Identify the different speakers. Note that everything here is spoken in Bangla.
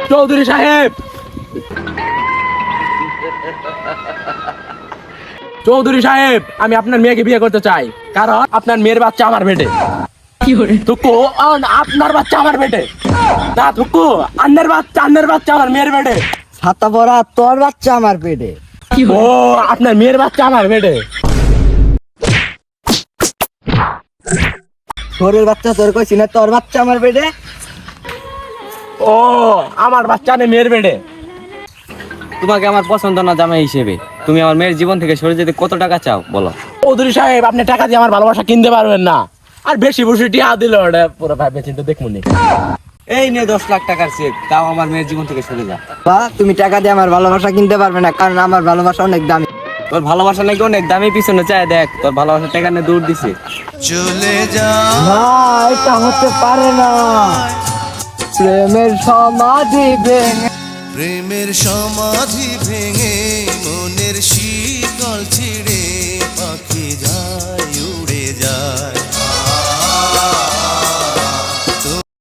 Speaker 1: চৌধুরী সাহেব, চৌধুরী সাহেব, আমি আপনার মেয়েকে বিয়ে করতে চাই, কারণ আপনার মেয়ের বাচ্চা আমার পেটে। থুকু, আপনার বাচ্চা আমার পেটে না, থুকু, আন্নের বাচ্চা আমার মেয়ের পেটে।
Speaker 2: ছাতা পরা তোর বাচ্চা আমার পেটে।
Speaker 1: ও, আপনার মেয়ের বাচ্চা আমার পেটে।
Speaker 2: তোরের বাচ্চা তোর কইছি না, তোর বাচ্চা আমার পেটে।
Speaker 1: ও, আমার বাচ্চা নেই মেয়ের পেটে।
Speaker 3: তোমাকে আমার পছন্দ না জামাই হিসেবে, তুমি আমার মেয়ের জীবন থেকে সরে যেতে কত টাকা চাও বলো?
Speaker 1: চৌধুরী সাহেব, আপনি টাকা দিয়ে আমার ভালোবাসা কিনতে পারবেন না, আর বেশি বেশি টিয়া দিল ওটা পুরো ভাবে চিন্তা দেখুন।
Speaker 3: এই নে 10 লাখ টাকার চেক, তাও আমার মেয়ের জীবন থেকে সরে যা।
Speaker 2: বা তুমি টাকা দিয়ে আমার ভালোবাসা কিনতে পারবে না, কারণ আমার ভালোবাসা অনেক দামি।
Speaker 3: তোর ভালোবাসা নাকি অনেক দামি, পিছনে চায় দেখ, তোর ভালোবাসার টাকা নিয়ে দূর দিছে।
Speaker 4: চলে যা
Speaker 2: না, এটা হতে পারে না। প্রেমের সমাধি ভেঙে,
Speaker 4: প্রেমের সমাধি ভেঙে মনের শীতল ছিড়ে পাখি